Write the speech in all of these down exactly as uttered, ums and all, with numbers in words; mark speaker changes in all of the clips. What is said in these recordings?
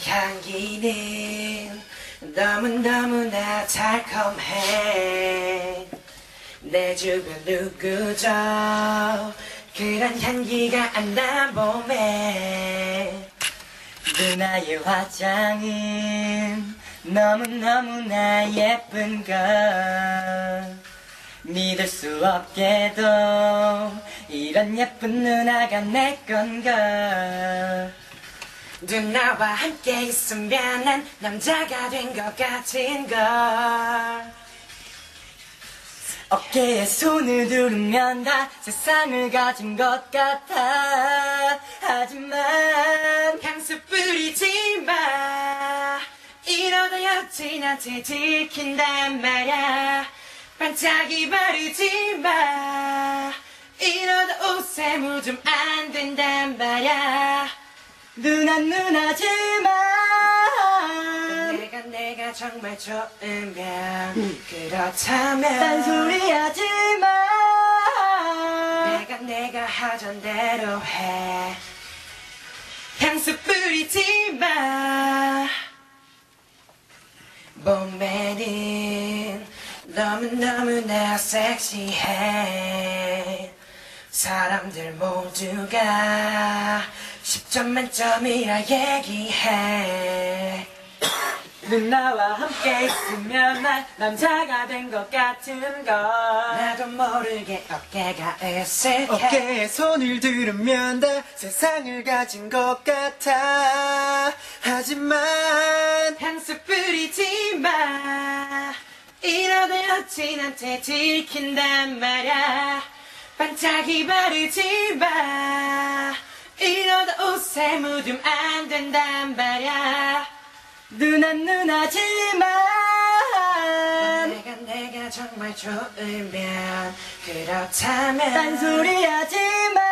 Speaker 1: 향기는 너무너무나 달콤해. 내 주변 누구죠? 그런 향기가 안 나 몸에. 누나의 화장은 너무너무나 예쁜 걸. 믿을 수 없게도 이런 예쁜 누나가 내 건걸. 누나와 함께 있으면 난 남자가 된 것 같은 걸. 어깨에 손을 두르면 다 세상을 가진 것 같아. 하지만 향수 뿌리지 마. 이러다 여친한테 들킨단 말야. 반짝이 바르지 마. 이러다 옷에 묻으면 안 된단 말야. 누나 누나지만 내가 내가 정말 좋으면 음. 그렇다면 딴소리 하지마. 내가 내가 하던 대로 해. 향수 뿌리지 마. 몸매는 너무너무나 섹시해. 사람들 모두가 십 점 만점이라 얘기해. 누나와 함께 있으면 난 남자가 된 것 같은 걸. 나도 모르게 어깨가 으쓱해.
Speaker 2: 어깨에 손을 두르면 다 세상을 가진 것 같아. 하지만
Speaker 1: 향수 뿌리지 마. 이러다 여친한테 들킨단 말야. 반짝이 바르지 마. 이러다 옷에 묻으면 안 된단 말야. 누나 누나지만 내가 내가 정말 좋으면 그렇다면 딴소리 하지마.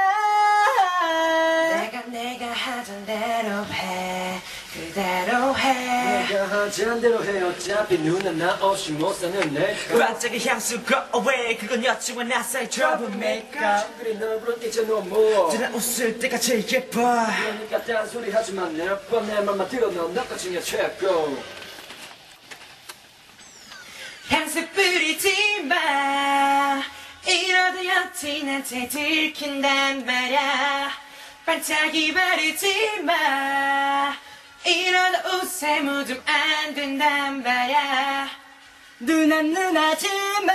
Speaker 1: 내가 내가 하던 대로 해. 그대로 해.
Speaker 2: 내가 하자는 대로 해. 어차피 누나 나 없이 못 사는 내
Speaker 1: 반짝이 향수 go away. 그건 여친과 나 사이 troublemaker.
Speaker 2: 친구들이 널 부른 이제 너무
Speaker 1: 누나 웃을 때가 제일 예뻐.
Speaker 2: 그러니까 딴소리 하지만 내 뻔 내 맘만 들어. 넌 너까지가 최고.
Speaker 1: 향수 뿌리지 마. 이러다 여친한테 들킨단 말야. 반짝이 바르지 마. 이러다 옷에 묻으면 안 된단 말야. 누나 누나지만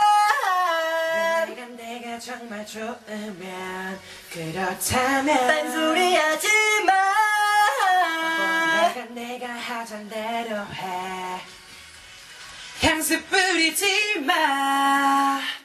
Speaker 1: 내가 내가 정말 좋으면 그렇다면 딴소리 하지마. 내가 내가 하던 대로 해. 향수 뿌리지 마.